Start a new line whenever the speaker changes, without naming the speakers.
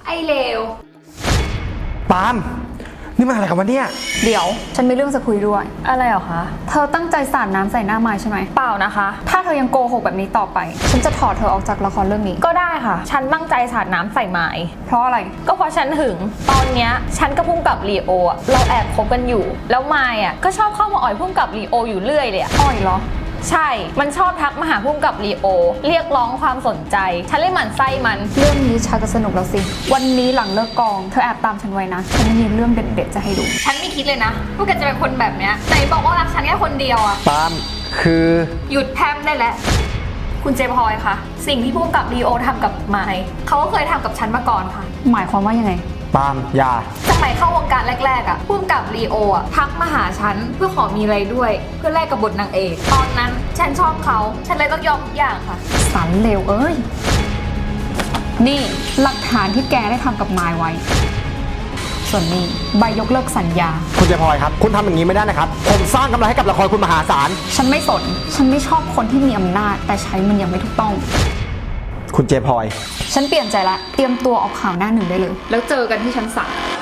ไอเลว
ปาล์มนี่มันอะไรกันวะเนี่ย
เดี๋ยวฉันมีเรื่องจะคุยด้วย
อะไรเหรอคะ
เธอตั้งใจสาดน้ำใส่หน้าไม้ใช่ไหม
เปล่านะคะ
ถ้าเธอยังโกหกแบบนี้ต่อไปฉันจะถอดเธอออกจากละครเรื่องนี้
ก็ได้ค่ะฉันตั้งใจสาดน้ำใส่ไม้
เพราะอะไร
ก็เพราะฉันหึงตอนเนี้ยฉันกับพุ่มกับลีโออะเราแอบคบกันอยู่แล้วไม้อะก็ชอบเข้ามาอ่อยพุ่มกับลีโออยู่เรื่อยเลย
อ่อยเหรอ
ใช่มันชอบทักมาหาพุ่มกับลีโอเรียกร้องความสนใจฉันเลยหมั่นไส้มัน
เรื่องนี้ชักจะสนุกแล้วสิวันนี้หลังเลิกกองเธอแอบตามฉันไว้นะฉันมีเรื่องเด็ดๆจะให้ดู
ฉันไม่คิดเลยนะว่าแกจะเป็นคนแบบเนี้ยไหนบอกว่ารักฉันแค่คนเดียวอะ
ปาล์มคือ
หยุดแพร่มได้แล้วคุณเจพลอยคะสิ่งที่พุ่มกับลีโอทำกับไม้เขาก็เคยทำกับฉันมาก่อนค่ะ
หมายความว่ายังไง
ปาล์มอย่า
สมัยเข้าวงการแรกๆอ่ะพุ่มกับลีโออ่ะทักมาหาฉันเพื่อขอมีอะไรด้วยเพื่อแลกกับบทนางเอกตอนนั้นฉันชอบเขาฉันเลยต้องยอมทุกอย่างค่ะ
สันเลวเอ้ยนี่หลักฐานที่แกได้ทำกับไม้ไว้ส่วนนี้ใบยกเลิกสัญญา
คุณเจพลอยครับคุณทำอย่างนี้ไม่ได้นะครับผมสร้างกำไรให้กับละครคุณมหาศาล
ฉันไม่สนฉันไม่ชอบคนที่มีอำนาจแต่ใช้มันยังไม่ถูกต้อง
คุณเจพลอย
ฉันเปลี่ยนใจละเตรียมตัวออกข่าวหน้าหนึ่งได้เลยแล้วเจอกันที่ชั้น 3